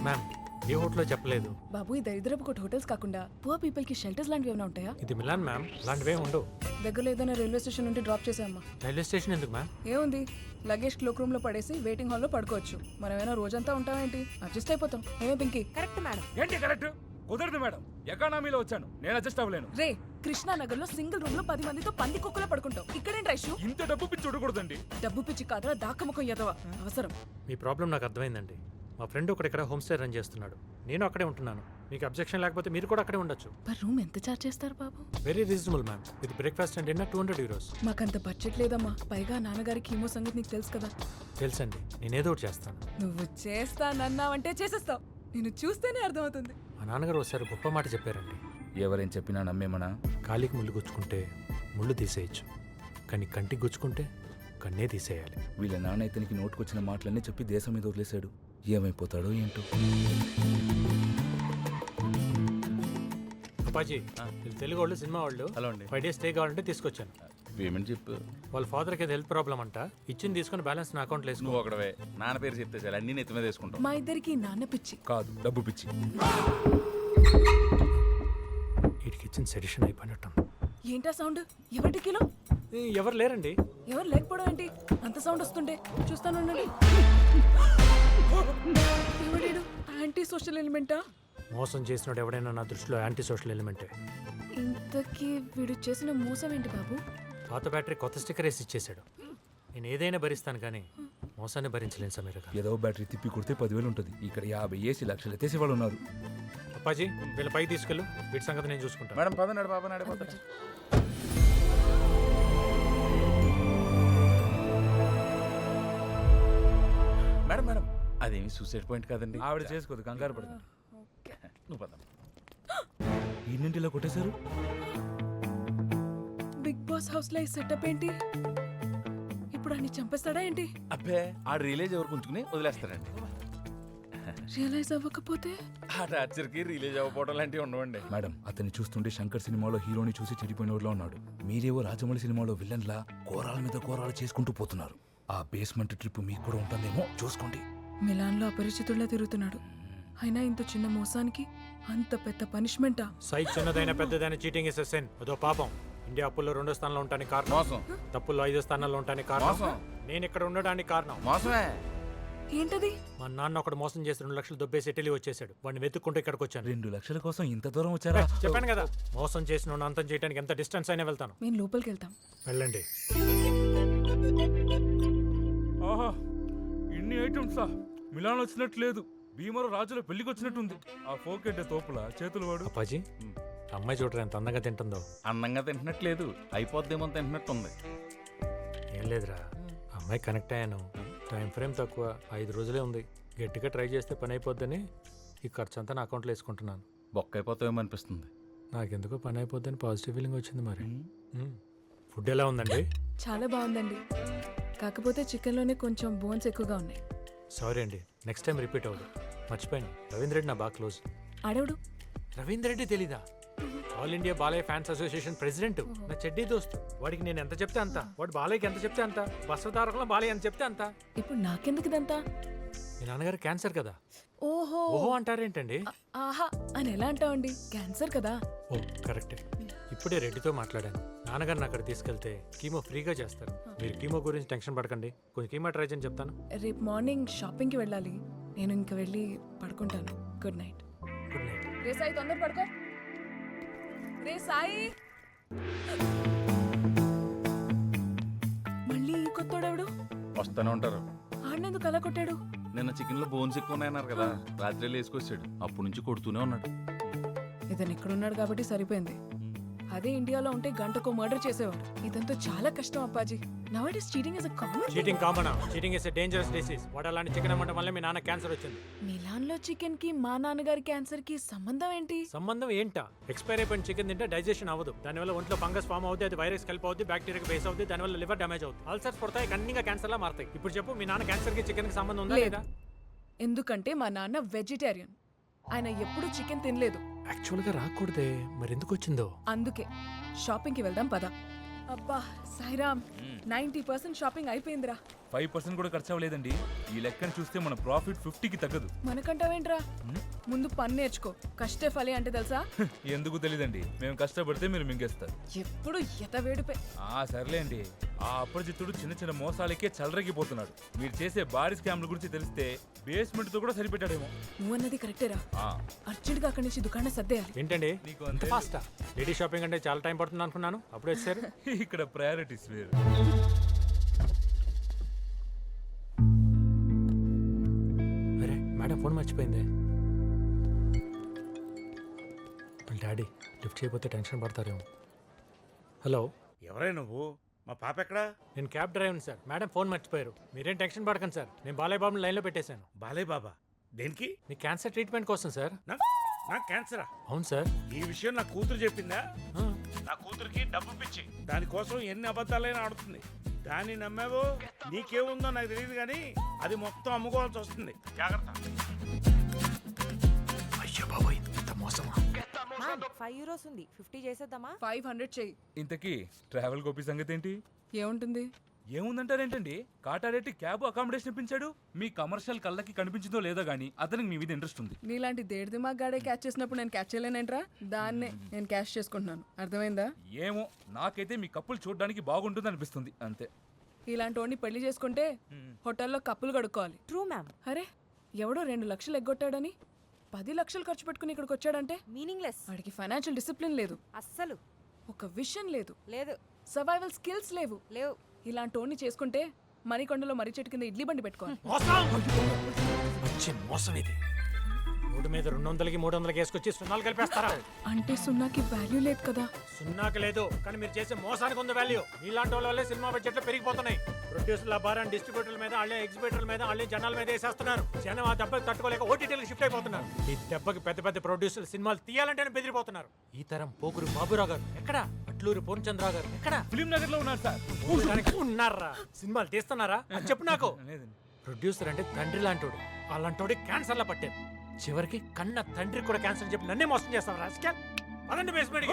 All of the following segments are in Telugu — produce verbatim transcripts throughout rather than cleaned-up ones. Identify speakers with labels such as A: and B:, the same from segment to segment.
A: మ్యామ్ ఏ హోటల్లో చెప్పలేదు.
B: బాబు ఈ దరిద్రపు కొట్టు హోటల్స్ కాకుండా పువర్ పీపుల్ కి షెల్టర్స్ లాంటివి ఏమైనా ఉంటాయా?
A: ఇది మిలాన్ మ్యామ్, అలాంటివే ఉండవు.
B: దగ్గరలో ఏదైనా రైల్వే స్టేషన్ నుండి డ్రాప్ చేసామ్మా.
A: రైల్వే స్టేషన్ ఎందుకు మ్యామ్?
B: ఏముంది, లగేజ్ క్లోక్ రూమ్ లో పడేసి వెయిటింగ్ హాల్ లో పడుకోవచ్చు. మనం ఏమైనా రోజంతా ఉంటామేంటి, అడ్జస్ట్ అయిపోతాం. ఏమే పింకి?
C: Correct madam.
D: ఏంటి కరెక్ట్? కుదరదు మేడం, ఎకానమీలో వచ్చాను, నేను అడ్జస్ట్ అవ్వలేను.
B: రే, కృష్ణానగర్ లో సింగిల్ రూమ్ లో పది మందితో పంది కుక్కలో పడుకుంటాం. ఇక్కడేంటి రైషు?
D: ఇంత డబ్బు పిచ్చి చూడకూడదండి.
B: డబ్బు పిచ్చి కాదురా, దాకముఖం ఎదవ అవసరం.
A: మీ ప్రాబ్లం నాకు అర్థమైందండి. మా ఫ్రెండ్ ఒకటి ఇక్కడ హోమ్ స్టే రన్ చేస్తున్నాడు, నేను అక్కడే ఉంటున్నాను. మీకు అబ్జెక్షన్ లేకపోతే మీరు కూడా అక్కడే ఉండొచ్చు.
B: పర్ రూమ్ ఎంత చార్జ్ చేస్తారు బాబు?
A: Very reasonable ma'am, with breakfast and dinner two hundred euros.
B: మాకంత బడ్జెట్ లేదమ్మా. పైగా నాన్నగారి కీమో సంగతి నీకు తెలుసు కదా.
A: తెలుసండి, నేనేదో ఒకటి చేస్తాను.
B: నువ్వు చేస్తానన్నావంటే చేసేస్తావు. నేను చూస్తేనే అర్థమవుతుంది.
A: మా నాన్నగారు ఒకసారి గొప్ప మాట చెప్పారండి.
E: ఎవరేం చెప్పినా నమ్మేమనా?
A: కాలికి ముళ్ళు గుచ్చుకుంటే ముళ్ళు తీసేయచ్చు, కానీ కంటికి గుచ్చుకుంటే కన్నే తీసేయాలి.
E: వీళ్ళ నాన్న ఇతనికి నోటుకొచ్చిన మాటలన్నీ చెప్పి దేశం మీద వదిలేశాడు. ఏమైపోతాడో ఏంటో.
A: అప్పాజీ, వీళ్ళు తెలుగు వాళ్ళు, సినిమా వాళ్ళు.
E: హలో అండి.
A: ఫైవ్ డేస్ స్టే కావాలంటే తీసుకొచ్చాను.
E: పేమెంట్ చెప్పు.
A: వాళ్ళ ఫాదర్కి ఏదో హెల్త్ ప్రాబ్లం అంట, ఇచ్చింది తీసుకుని బ్యాలెన్స్ నా అకౌంట్లో వేసుకో.
E: నువ్వు ఒకడవే నాన్న పేరు చెప్తే చాలు, అన్ని నెత్తి మీద వేసుకుంటాం.
B: మా ఇద్దరికి నాన్న పిచ్చి
E: కాదు, డబ్బు పిచ్చి.
A: వీటికి ఇచ్చిన సెడిషన్ అయిపోయినట్టు.
B: ఏంటా సౌండ్? ఎవరి కిలో?
A: ఎవరు లేరండి.
B: ఎవరు లేకపోవడం ఏంటి? అంత సౌండ్ వస్తుండే చూస్తాను. ఎవడేడు? యాంటీ సోషల్ ఎలిమెంటా?
A: మోసం చేసినోడు ఎవడైనా నా దృష్టిలో యాంటీ సోషల్ ఎలిమెంటే.
B: ఇంతకీ వీడు చేసిన మోసం ఏంటి బాబు?
A: పాత బ్యాటరీ కొత్త స్టిక్కర్ వేసి ఇచ్చేసాడు. నేను ఏదైనా భరిస్తాను కానీ మోసాన్ని భరించలేను సమీర గారు.
E: ఏదో బ్యాటరీ తిప్పి కొడితే పదివేలు ఉంటుంది. ఇక్కడ యాభై ఏసీ లక్షలు ఎత్తేసి వాళ్ళు ఉన్నారు.
A: అప్పాజీ, వీళ్ళ పైకి తీసుకెళ్ళు, వీటి సంగతి నేను చూసుకుంటాను.
E: మేడం పదనాడు బాబా నడిపోతా. మేడం మేడం అదేమి సూసైడ్ పాయింట్ కాదండి. ఆవిడ చేసుకోదు, కంగారు పడదు. నువ్వు పద. ఈయన్నింటిలో కొట్టేశారు.
B: బిగ్ బాస్ హౌస్ లో ఈ సెటప్ ఏంటి? ఇప్పుడు అన్ని చంపేస్తాడా ఏంటి?
E: అబ్బే, ఆడు రిలీజ్ ఎవరికి ఉంచుకుని వదిలేస్తాడండి.
B: రియలైజ్ అవ్వకపోతే?
E: ఆ టార్చర్కి రిలీజ్ అవ్వకపోవడం లాంటివి ఉండవండి. మేడం, అతన్ని చూస్తుంటే శంకర్ సినిమాలో హీరోని చూసి చెడిపోయినోడులా ఉన్నాడు. మీరేవో రాజమౌళి సినిమాలో విలన్లా కోరాల మీద కోరాలు చేసుకుంటూ పోతున్నారు. ఆ బేస్మెంట్ ట్రిప్ మీకు కూడా ఉంటుందేమో చూసుకోండి.
B: మిలాన్ లో అపరిచితుల్లా తిరుగుతున్నాడు. అయినా ఇంత చిన్న మోసానికి అంత పెద్ద పనిష్మెంటా?
A: సైజ్ చిన్నదైన పెద్దదైన చీటింగ్ ఇస్ సెన్. అదో పాపం. ఇండియా అప్పుల్లో రెండో స్థానంలో ఉంటానికి కారణం
E: మోసం.
A: తప్పుల్లో ఐదో స్థానంలో ఉంటానికి కారణం
E: మోసం.
A: నేను ఇక్కడ ఉండడానికి కారణం
E: మోసమే.
B: ఏంటది?
A: మా నాన్న ఒకడు మోసం చేసి రెండు లక్షలు దొబ్బేసి ఇటలీ వచ్చేసాడు. వాడిని వెతుక్కుంటూ ఇక్కడికి వచ్చాను.
E: రెండు లక్షల కోసం ఇంత దూరం వచ్చారా?
A: చెప్పాను కదా, మోసం చేసిన అంతం చేయడానికి ఎంత డిస్టెన్స్ అయినా వెళ్తాను.
B: మేము లోపలికి వెళ్తాం.
A: వెళ్ళండి.
D: ఆహా, ఇన్ని ఐటమ్సా? మిలాన్ వచ్చినట్టు లేదు, భీమవరం రాజుల పెళ్లికి వచ్చినట్టుంది. ఆ ఫోకెట్ తోపుల చేతులు వాడు.
A: అప్పాజీ, అమ్మాయి చూడరా ఎంత అందంగా తింటుందో.
E: అందంగా తింటున్నట్లేదు, అయిపోద్దేమో తింటున్నట్టుంది.
A: ఏం లేదురా, అమ్మాయి కనెక్ట్ అయ్యాను. టైం ఫ్రేమ్ తక్కువ, ఐదు రోజులే ఉంది. గట్టిగా ట్రై చేస్తే పని అయిపోద్దని ఈ ఖర్చు అంతా నా అకౌంట్లో వేసుకుంటున్నాను.
E: బొక్క అయిపోతామేమో అనిపిస్తుంది.
A: నాకెందుకో పని అయిపోద్దని పాజిటివ్ ఫీలింగ్ వచ్చింది. మరి ఫుడ్ ఎలా ఉందండి?
B: చాలా బాగుందండి, కాకపోతే చికెన్ లోనే కొంచెం బోన్స్ ఎక్కువగా ఉన్నాయి.
A: సారీ అండి, నెక్స్ట్ టైం రిపీట్ అవ్వదు. మర్చిపోయాను, రవీంద్ర రెడ్డి నా బాగా క్లోజ్.
B: ఆడవుడు
A: రవీంద్ర రెడ్డి తెలీదా? All India Balayya fans association president, నా చెడ్డీ దోస్తు. వాడికి నేను ఎంత చెప్తే అంత, వాడు బాలయ్యకి ఎంత చెప్తే అంత, బస్వతారకంలో బాలయ్య ఎంత చెప్తే అంత.
B: ఇప్పుడు నాకెందుకు ఇదంతా?
A: మీ నాన్నగారు క్యాన్సర్ కదా.
B: ఓహో
A: ఓహో అంటారేంటండి?
B: ఆహా అని ఎలా అంటావండి, క్యాన్సర్ కదా.
A: ఓ కరెక్టే. ఇప్పుడే రెడ్డితో మాట్లాడాను. నాన్నగారిని అక్కడ తీసుకెళ్తే కీమో ఫ్రీగా చేస్తారు. మీరు కీమో గురించి టెన్షన్ పడకండి, కొంచెం కీమో ట్రై చేయని చెప్తాను.
B: రేపు మార్నింగ్ షాపింగ్కి వెళ్ళాలి, నేను ఇంక వెళ్ళి పడుకుంటాను. Good night.
A: Good night.
B: రే సాయి, తొందర పడుకో. రే సాయి, మళ్ళీ ఈ కొత్తోడెవడు?
E: వస్తూనే ఉంటారు.
B: ఆడినందుకు అలా కొట్టాడు?
E: నిన్న చికెన్ లో బోన్స్ ఎక్కువ ఉన్నాయన్నారు కదా, రాత్రి వేసుకొచ్చాడు. అప్పటి నుంచి కొడుతూనే ఉన్నాడు.
B: ఇతను ఇక్కడున్నాడు కాబట్టి సరిపోయింది. అదే ఇండియాలో ఉంటే గంటకో మర్డర్ చేసేవాడు. ఇదంతా చాలా కష్టం అప్పాజీ. Nowadays cheating is a common.
A: Cheating common? Cheating is a dangerous disease. వాడు అలాంటి చికెన్ అమ్మటం వల్ల మీ నాన్న క్యాన్సర్ వచ్చింది.
B: మిలాన్ లో చికెన్ కి మా నాన్నగారి క్యాన్సర్ కి సంబంధం ఏంటి?
A: సంబంధం ఏంటా? ఎక్స్పైర్ అయిపోయిన చికెన్ తింటే డైజెషన్ అవ్వదు, దానివల్ల ఒంట్లో ఫంగస్ ఫామ్ అవుతుంది, అది వైరస్ కలిపి అవుతుంది, బ్యాక్టీరియా బేస్ అవుతుంది, దానివల్ల లివర్ డ్యామేజ్ అవుతుంది, అల్సర్స్ పడతాయి, కన్నీగా క్యాన్సర్ లా మారుతాయి. ఇప్పుడు చెప్పు, మీ నాన్న క్యాన్సర్ కి చికెన్ కి సంబంధం ఉందా లేదా?
B: ఎందుకంటే మా నాన్న వెజిటేరియన్, ఆయన ఎప్పుడు చికెన్ తినలేదు.
A: యాక్చువల్ గా రాకూడదే, మరి ఎందుకు వచ్చిందో?
B: అందుకే షాపింగ్ కి వెళ్దాం పద. అబ్బా సాయిరామ్, నైన్టీ పర్సెంట్ షాపింగ్ అయిపోయిందిరా.
D: ఫైవ్ పర్సెంట్ కూడా ఖర్చు అవ్వలేదండి. ఈ లెక్కను చూస్తే మన ప్రాఫిట్ ఫిఫ్టీకి తగ్గదు.
B: మనకంటావేంట్రా? ముందు పని నేర్చుకో. కష్టే ఫలి అంటే తెలుసా?
D: ఎందుకు తెలీదండి, మేము కష్టపడితే మీరు మింగేస్తారు.
B: ఎప్పుడు ఎత వేడిపే.
D: ఆ సర్లేండి, ఆ అపరిచితుడు చిన్న చిన్న మోసాలకే చలరగిపోతున్నాడు. మీరు చేసే భారీ స్కామ్ల గురించి తెలిస్తే బేస్మెంట్ తో కూడా సరిపెట్టాడేమో.
B: నువ్వన్నది కరెక్టేరా.
D: ఆ,
B: అర్జెంట్ గా అక్కడి నుంచి దుకాణం సర్దేయాలి.
A: ఏంటండి
D: నీకు
A: అంత
D: అంతే.
A: ఫాస్టా? లేడీ షాపింగ్ అంటే చాలా టైం పడుతుంది అనుకున్నాను, అప్పుడు వచ్చారు.
D: ఇక్కడ ప్రయారిటీస్ వేరు.
A: అరే మేడం ఫోన్ మర్చిపోయింది. వాళ్ళ డాడీ లిఫ్ట్ చేయకపోతే టెన్షన్ పడతారేమో. హలో,
C: ఎవరే నువ్వు? మా పాప ఎక్కడా?
A: నేను cab driver sir. Madam phone మర్చిపోయారు. మీరేం టెన్షన్ పడకండి సార్, నేను బాలయ్య బాబుని లైన్లో పెట్టేశాను.
C: బాలయ్య బాబా? దేనికి?
A: మీ క్యాన్సర్ ట్రీట్మెంట్ కోసం సార్.
C: నా నాకు క్యాన్సరా?
A: అవును సార్.
C: ఈ విషయం నా కూతురు చెప్పిందా?
A: ఆ,
C: నా కూతురికి డబ్బు పిచ్చి, దానికోసం ఎన్ని అబద్ధాలైనా ఆడుతుంది. దాన్ని నమ్మావో నీకేముందో నాకు తెలియదు, కానీ అది మొత్తం అమ్ముకోవాల్సి వస్తుంది. జాగ్రత్త.
A: అయ్యో బాబోయ్, ఇంత మోసమా?
F: ఫైవ్ యూరోస్ ఉంది, ఫిఫ్టీ చేసేద్దామా?
B: ఫైవ్ హండ్రెడ్ చెయ్యి.
D: ఇంతకీ ట్రావెల్ గోపి సంగతి ఏంటి?
B: ఏముంటుంది?
D: ఏముందంటారేంటండి, కాటారెడ్డి క్యాబ్ అకామిడేషన్ ఇప్పించాడు. మీ కమర్షియల్ కళ్ళకి కనిపించిందో లేదో గానీ అతనికి మీ మీద ఇంట్రెస్ట్ ఉంది.
B: నీలాంటి దేడి దిమాగ్ గాడే క్యాచ్ చేసినప్పుడు నేను క్యాచ్ చేయలేనేంట్రా? దాన్నే నేను క్యాష్ చేసుకుంటున్నాను. అర్థమైందా?
D: ఏమో, నాకైతే మీ కప్పులు చూడడానికి బాగుంటుంది అనిపిస్తుంది అంతే.
B: ఇలాంటి వాడిని పెళ్లి చేసుకుంటే హోటల్లో కప్పులు కడుక్కోవాలి.
F: True ma'am.
B: అరే ఎవడో రెండు లక్షలు ఎగ్గొట్టాడని పది లక్షలు ఖర్చు పెట్టుకుని ఇక్కడికి వచ్చాడంటే
F: మీనింగ్లెస్.
B: వాడికి ఫైనాన్షియల్ డిసిప్లిన్ లేదు,
F: అస్సలు
B: ఒక విషన్ లేదు,
F: లేదు.
B: సర్వైవల్ స్కిల్స్ లేవు.
F: లేవు.
B: ఇలాంటి వాడిని చేసుకుంటే మరికొండలో మర్రి చెట్టు కింద ఇడ్లీ బండి పెట్టుకోవాలి.
A: మోసం! మంచి మోసం ఇది. రోడ్డు మీద రెండు వందలకి మూడు వందలకి వేసుకొచ్చి సున్నాలు కలిపేస్తారా?
B: అంటే సున్నాకి వాల్యూ లేదు కదా.
A: సున్నాకి లేదు, కానీ మీరు చేసే మోసానికి ఉంది వాల్యూ. ఇలాంటి వాళ్ళ వల్లే సినిమా బడ్జెట్లు పెరిగిపోతున్నాయి. ప్రొడ్యూసర్ల భారం డిస్ట్రిబ్యూటర్ల మీద, వాళ్ళే ఎగ్జిబిటర్ల మీద, వాళ్ళే జనాల మీద వేసేస్తున్నారు. జనం ఆ దెబ్బకి తట్టుకోలేక ఓటీటీలకు షిఫ్ట్ అయిపోతున్నారు. ఈ దెబ్బకి పెద్ద పెద్ద ప్రొడ్యూసర్లు సినిమాలు తీయాలంటేనే బెదిరిపోతున్నారు. ఈ తరం పోకురు బాబురావు గారు ఎక్కడ? అట్లూరి పూర్ణచంద్రరావు గారు ఎక్కడ?
D: ఫిలిం నగర్ లో ఉన్నారు సార్.
A: ఉన్నారా? సినిమాలు తీస్తున్నారా అని చెప్పు నాకు.
D: లేదండి.
A: ప్రొడ్యూసర్ అంటే తండ్రి లాంటోడు. అలాంటోడి క్యాన్సర్ లా పట్టారు. చివరికి కన్న తండ్రి కూడా క్యాన్సర్ చెప్పి నన్నే మోసం చేస్తావు రాజకీయాలు. అదండి బేస్మెంట్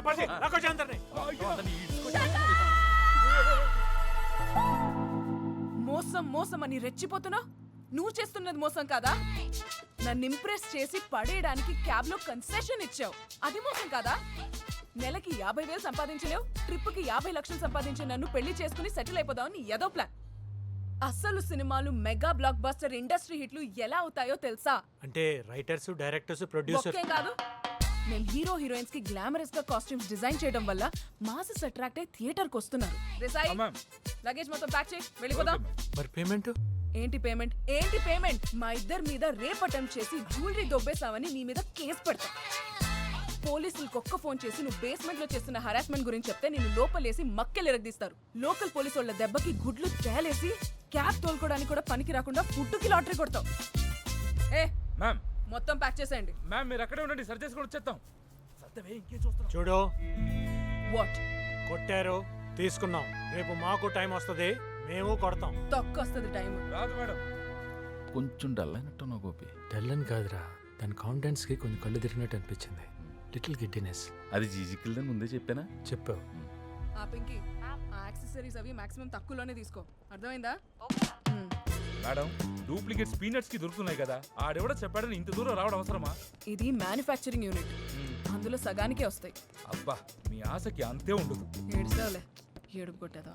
B: మోసం మోసం అని రెచ్చిపోతున్నా. నువ్వు చేస్తున్నది మోసం కాదా? నన్ను ఇంప్రెస్ చేసి పడేయడానికి క్యాబ్ లో కన్సెషన్ ఇచ్చావు, అది మోసం కాదా? నెలకి యాభై వేలు సంపాదించలేవు, ట్రిప్ కి యాభై లక్షలు సంపాదించే నన్ను పెళ్లి చేసుకుని సెటిల్ అయిపోదామని ఏదో ప్లాన్. అసలు సినిమాలు మెగా బ్లాక్ బస్టర్ ఇండస్ట్రీ హిట్లు ఎలా అవుతాయో తెలుసా?
A: అంటే రైటర్స్, డైరెక్టర్స్, ప్రొడ్యూసర్
B: ఒక్కే కాదు, మేము హీరో హీరోయిన్స్ కి గ్లామరస్ గా కాస్ట్యూమ్స్ డిజైన్ చేయడం వల్ల మాసెస్ అట్రాక్ట్ అయ్యి థియేటర్ కి వస్తున్నారు. రేసాయి,
D: మ్యామ్.
B: లగేజ్ మొత్తం ప్యాక్ చేయి, వెళ్ళిపోదాం.
A: మరి పేమెంట్
B: ఏంటి పేమెంట్? ఏంటి పేమెంట్? మా ఇద్దరి మీద రేప్ అటెంప్ట్ చేసి జ్యువెలరీ దొబ్బేసావని నీ మీద కేసు పెడతా. పోలీసులకు ఒక్క ఫోన్ చేసి నువ్వు బేస్మెంట్ లో చేస్తున్న హరాస్మెంట్ గురించి చెప్తే నిన్ను లోపలేసి మక్కెలు ఎరగదీస్తారు. లోకల్ పోలీసు వాళ్ళ దెబ్బకి గుడ్లు తేలేసి క్యాబ్ తోలుకోవడానికి కూడా పనికి రాకుండా ఫుడ్కి లాటరీ కొడతావు. ఏ
D: మ్యామ్,
B: మొత్తం ప్యాక్ చేసేయండి.
D: మ్యామ్ మీరు అక్కడే ఉండండి, సరి చేసుకొని వచ్చేస్తాం. సర్దవే, ఇంకేం చూస్తున్నాం?
A: చూడు,
B: వాట్?
A: కొట్టారు, తీసుకున్నాం. రేపు మాకు టైం వస్తుంది, మేము కొడతాం.
B: తొక్కొస్తుంది టైం.
D: రాదు మేడం.
E: కొంచెం డల్ అయినట్టు నా గోపి.
A: తెల్లని కాదురా, దాని కాన్ఫిడెన్స్ కి కొంచెం కళ్ళు తిరిగినట్టు అనిపించింది. Little giddiness.
E: అది జీజికిల్దని ముందే చెప్పానా?
A: చెప్పావు.
B: ఆ పింకి, ఆ యాక్సెసరీస్ అవి మాక్సిమం తక్కువలోనే తీసుకో, అర్థమైందా? మ్మ్.
D: మేడం, డూప్లికేట్స్ పీనట్స్ కి దొరుకుతున్నాయి కదా, ఆడెవడో చెప్పాడని ఇంత దూరం రావడం అవసరమా?
B: ఇది మ్యానుఫ్యాక్చరింగ్ యూనిట్, అందులో సగానికే వస్తాయి.
D: అబ్బా, మీ ఆశకి అంతే ఉండదు.
B: ఏడుస్తావులే, ఏడుపు కొట్టేదా.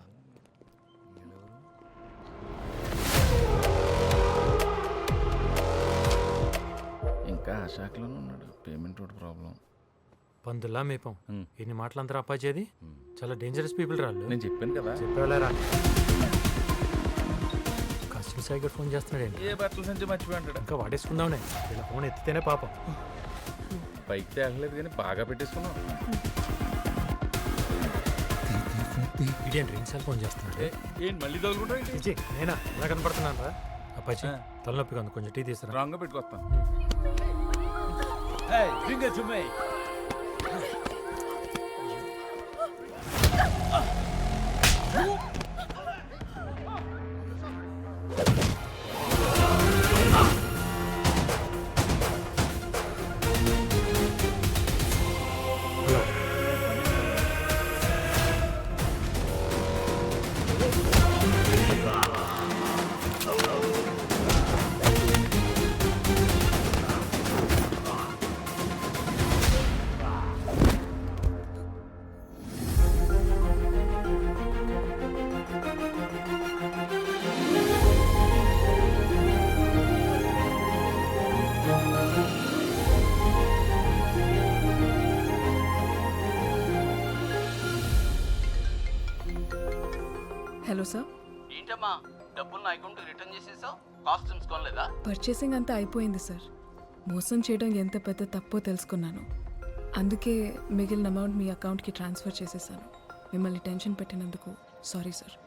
E: ఇంకా ఆ శాఖలోనే ఉన్నాడు. పేమెంట్ ఒకటి ప్రాబ్లం.
A: పందులా మేపం.
E: మ్మ్.
A: ఇన్ని మాటలంతా అప్పాచేది. చాలా డేంజరస్ పీపుల్ రాళ్ళు.
E: నేను చెప్పాను కదా.
A: చెప్పేవాళ్ళరా? కస్టమర్ సైగర్ ఫోన్ చేస్తున్నాడండి.
E: ఏ బట్టల సంచి మర్చిపోయి ఉంటాడు.
A: ఇంకా వాడేసుకుందామనే, ఇలా ఫోన్ ఎత్తితేనే పాపం.
E: పైకి తేగలేదు కానీ బాగా పెట్టేసుకున్నాం.
A: ఇడియన్ రింగ్ సెల్ ఫోన్ చేస్తున్నాడు.
D: ఏంటి మళ్ళీ తగులుకుంటా?
A: విజయ్, నేనా ఎలా కనపడుతున్నాను రా? అప్పాచి తలనొప్పిగా ఉంది, కొంచెం టీ తీసుకురా.
E: రాంగ్ గా పెట్టుకొస్తాను.
B: Hello sir.
G: ఏంటమ్మా డబ్బులు నా అకౌంట్ రిటర్న్ చేసేసావు? కాస్ట్యూమ్స్ కొనలేదా?
B: పర్చేసింగ్ అంతా అయిపోయింది సార్. మోసం చేయడం ఎంత పెద్ద తప్పో తెలుసుకున్నాను. అందుకే మిగిలిన అమౌంట్ మీ అకౌంట్కి ట్రాన్స్ఫర్ చేసేసాను. మిమ్మల్ని టెన్షన్ పెట్టినందుకు సారీ సార్.